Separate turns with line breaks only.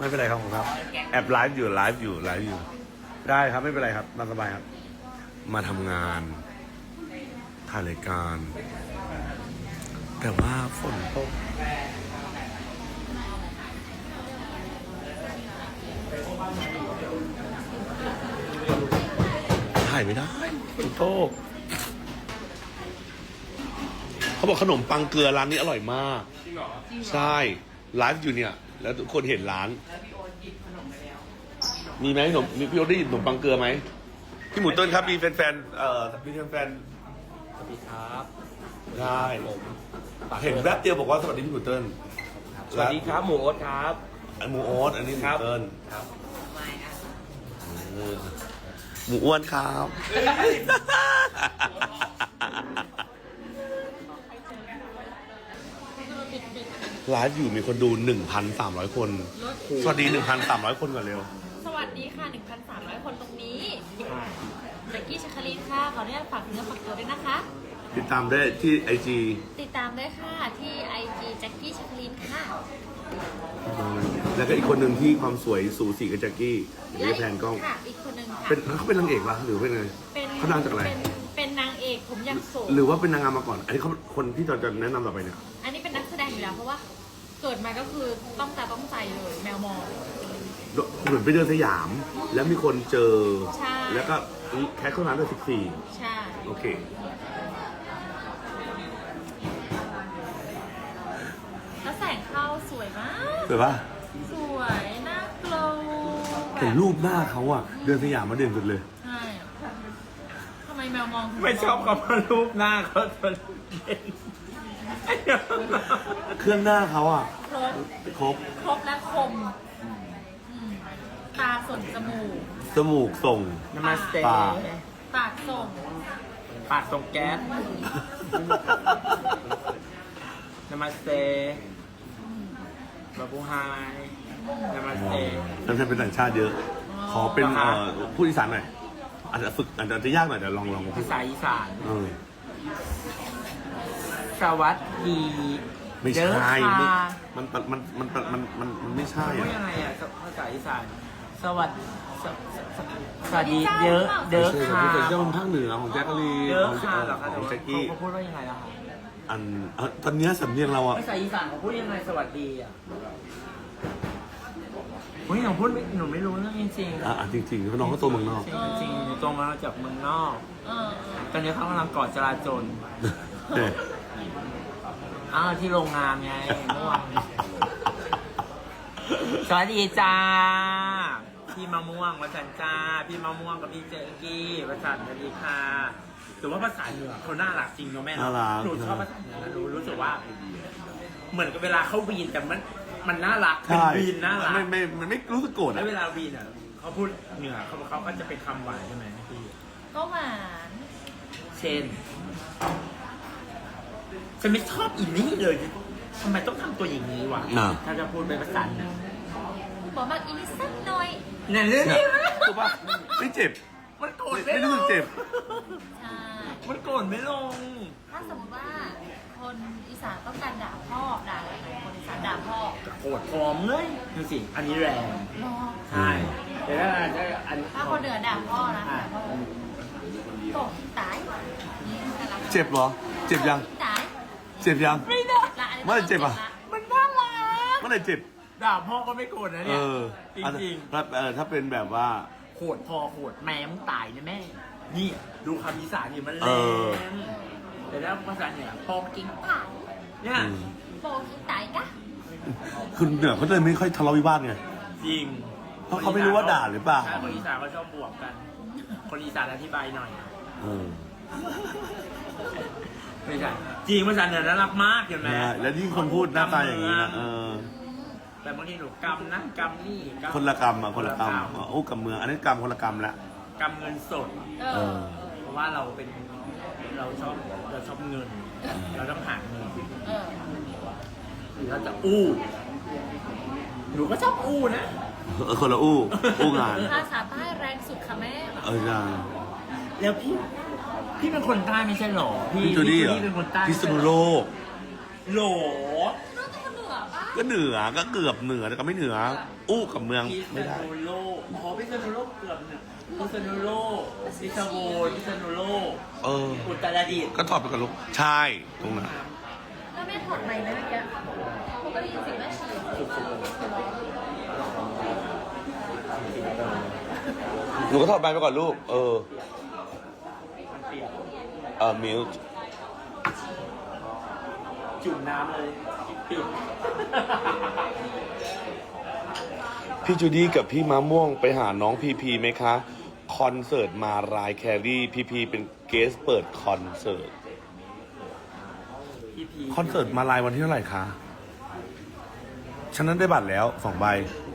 ไม่เป็นไรครับผมครับแอบไลฟ์อยู่ได้ครับไม่เป็นไรครับมาสบายครับมาทำงานถ่ายรายการแต่ว่าฝนตกถ่ายไม่ได้ฝนตกเขาบอกขนมปังเกลือร้านนี้อร่อยมากใช่ไลฟ์อยู่เนี่ยแล้วทุกคนเห็นร้านมีไหมขนมมีพี่โอ๊ตได้ยินขนมปังเกลือไหมพี่หมูต้นครับมีแฟนมีแฟน
สวัสดีครับ
ได้
ผม
เห็นแวบเดียวบอกว่าสวัสดีพี่หมูเติ้ล
สวัสดีครับหมูโอ๊ตครับ
อันหมูโอ๊ตอันนี้หมูเติ้ล
ครับ
เออหมูอ้วนครับไลฟ์อยู่มีคนดู 1,300 คน สวัสดี 1,300 คนก่อนเร็ว
สวัสดีค่ะ 1,300 คนตรงนี้แจ็กกี้ชัคคลินค่ะ ขออนุญาตฝากเนื้อฝากตัวด้วยนะคะ
ติดตามได้ที่ IG
ติดตามได้ค่ะที่ IG แจ็กกี้ชัคคลินค่ะ
แล้วก็อีกคนหนึ่งที่ความสวยสูสีกับแจ็คกี้เดี๋ยวจะแพนกล้อง
ค่ะ อีกคนหนึ่งค่ะ
เขาเป็นนางเอกปะหรือเป็นไง
เป็น
เขาดังจากอะไร
เป็นนางเอกผมยังโสด
หรือว่าเป็นนางงามมาก่อน อันนี้เขาคนที่เราจะแนะนำต่อไปเนี่ย
อันนี้เป็นนักแสดงอยู่แล้วเพราะว่าเกิดมาก็คือต้องตาต้องใจเลยแมวมอง
เหมือนไปเดินสยาม แล้วมีคนเจอ
ใช่
แล้วก็แคสเข้าร้านด้วย
ใช่
14โอเค
แล้วแสงเข้าสวยมาก
เห็นปะ
สวยน่ากลัว
แต่รูปหน้าเขาอะเดินสยามมาเด่นสุดเลย
ใช่ทำไมแมวมองถึง
ไม่ชอบคำว่ารูปหน้าเขาจนเด่น
เครื่องหน้าเขาอะ
ครบ
ครบ
และคมอืมตาส่งจมูก
จมูกส่ง
นามาสเต
ปาก
ปากส่ง
ปากตรงแก๊สนามาสเตบาบูไฮนามาสเต
แล้วจะเป็นต่างชาติเยอะ ขอเป็น
เหรอคะ
พูดอีสานหน่อยอาจจะฝึกอาจจะยากหน่อยเดี๋ยวลองพู
ภา
ด
ษาอีสาน
เออ
สวัสดี
ไม่
เด้อ
ใช่
ค่ะ
มันไม่ใช่
พูด
อะ
ยังไงอ่ะภาษาอีสานสวัสดีสวัสดีเด้อเด้อ
ไม่ใช่
ค่ะ
ที่เป็นเจ้าภาคเหนือของแจ็คกะลีน
เด้อ
ของ
ค่ะเหรอคะ
ของแจ็คกี้
เขาพูดว่ายังไงล่ะคะ
ตอนเนี้ยสำเนียงเราอะ
ภาษาอีสานเขาพูดยังไงสวัสดีอ่ะเฮ้ยหนูพูดไม่หนูไม่รู้เรื่องจริงๆ
จริงๆเพราะน้องก็ตัวเมืองนอก
จริงๆหนูโตมาจากเมืองนอก
เออ
ตอนนี้เขากำลังก่อจราจร
เนี่ย
ที่โรงงานไงเมื่อวานสวัสดีจ้าพี่มะม่วงวัสันจ้าพี่มะม่วงกับพี่เจอกี้วัสันสวัสดีค่ะถือว่าภาษาเหนือเขาน่ารักจริงเนาะแม่เนาะหนูชอบภาษาเหนือนะหนูรู้สึกว่า เหมือนกับเวลาเขาวีนแต่มันน่ารักเป็น
ใช่
วีนน่ารัก
มันไม่รู้สึกโกรธ
แล้ว
อะ
เวลาวีนอ่ะเขาพูดเหนือเขาก็จะเป็นคำหวานใช่ไหมพี่
ก็หวาน
เช่นฉันไม่ชอบอีนี่เลยทำไมต้องทำตัวอย่างนี้วะถ้าจะพูดเป็นภาษาเหนือ
บอกมากอีนิดสักหน่อย
เนี่ยเรื่อง
เนี่ย
นี้
ถูกปะไม่เจ็บ
มันโกรธ
ไม่
ไม่ล
รู้
ง
สึกเจ็บ
ใช่
มันโกรธไม่ลง
ถ้าสมมติว่าคนอีสานต้องการด่าพ่อด่าอะไรคนอีสานด่าพ่อ
โกรธพร้อมเลยดูสิอันนี้แรง
รอ
ใช่แต่ถ้าอัน
ถ้าคนเหนือด่าพ่อนะด่าพ่อโตขี้ตายนี่กำลัง
เจ็บเหรอ เจ็บยัง
ขี้ตาย
เจ็บยัง
ไม่ได้
ละอันนี้
เมื่อไหร่เจ็บอะ
มันน่ารัก
เมื่อไหร่เจ็บ
ด่าพ่อก็ไม่โกรธนะเนี่ยจริง
ถ้าเป็นแบบว่า
ๆโหดพอโหดแม่มึงตายนะแม่นี่ดูคำอีสานนี่มันแร
เออ
งแต่แล้วภาษาเหนือพอกิน
ตาย
เนี่ย
โตขี้ตายกะ
คือเหนือเขาเลยไม่ค่อยทะเลาะวิวาทไง
จริง
เพราะเขาไม่รู้ว่าด่าหรือเปล่า
ใช่คนอีสานเขาชอบบวกกัน คนอีสานอธิบายหน่อย
เออ
ไม่ใช่จริงภาษาเหนือน่ารักมากเห็นไหม
แล้วยิ่งคนพูดหน้าตาอย่างนี้นะ
แต่บางทีหนูกำนั่นกำนี่
คนละกรรมคนละกรรมโอ้กับเมืองอันนี้กรรมคนละกรรมละ
กำเงินสด
เออ
เพราะว่าเราชอบเงิน เราต้องหาเงิน
เออ
หรือเราจะอู้หนูก็ชอบอู้นะ
คนละอู้งาน
ภาษาใต้แรงสุดค่ะแม่
ใช่
แล้วพี่เป็นคนใต้ไม่ใช่หรอ
พี่จูดี้เหรอ
เป็นคนใต้
พิษณุโลก
โหล
น้องเป็นคนเหนือป่ะ
ก็เหนือก็เกือบเหนือแต่ก็ไม่เหนือ อู้กับเมือง
พิษ
ไม่ได้
ณุโลกอ๋อพิษณุโลกเกือบเนี่ยพิษณุโลกพิษณุพิษณุโลก
เออ
อุตรดิตถ์
ก็ถอดไปกับลูกใช่ตรงนั้น
แล้วแม่ถอดไหมไหมเมื่อกี้เขาก็ได้ยินเสียงแม่ฉีด
หนูก็ถอดใบไปก่อนลูก เออ
เปียก
มิล
จุ่มน้ำเลยปิด
พี่จูดี้กับพี่มะม่วงไปหาน้องพีพีไหมคะ คอนเสิร์ตมารายแครี่พีพีเป็นเกสเปิดคอนเสิร์ต
พีพี
คอนเสิร์ตมารายวันที่เท่าไหร่คะ ฉันนั้นได้บัตรแล้ว2 ใบ
อ